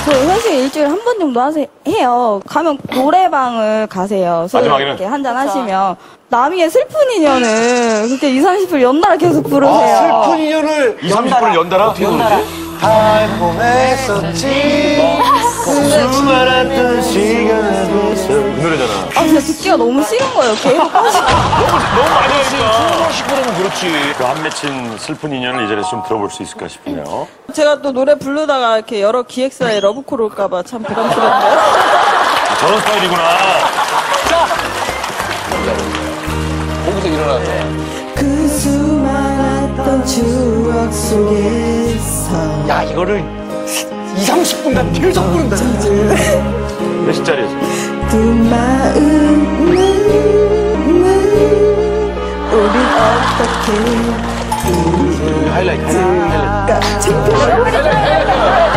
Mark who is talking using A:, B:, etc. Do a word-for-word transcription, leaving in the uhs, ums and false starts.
A: 저 회식 일주일에 한 번 정도 하세, 해요. 가면 노래방을 가세요. 서로 이렇게 한잔 하시면. 남이의 슬픈 인연을 그렇게 이삼십 분 연달아 계속 부르세요.
B: 아, 슬픈 인연을
C: 이삼십 분을 연달아? 어떻게 부르지?
B: 달콤했었지 수많았던 시간을
C: 그 노래잖아.
A: 아, 근데 듣기가 너무 싫은 거예요. 계속 빠지고.
C: 너무 많이 하니까.
B: 십 분이면 그렇지.
C: 그 한 맺힌 슬픈 인연을 이 자리에서 좀 들어볼 수 있을까 싶네요.
D: 제가 또 노래 부르다가 이렇게 여러 기획사에 러브콜 올까봐 참 부담스럽네요.
C: 아, 저런 스타일이구나.
B: 거기서 일어나서.
A: 그 수많았던 추억 속에서.
B: 야, 이거를 이삼십 분간 계속 부른다.
C: 몇 시짜리였어?
A: 두 마음은 우린 어떻게
B: 하이라이트. 하이라이트.
A: 창피해.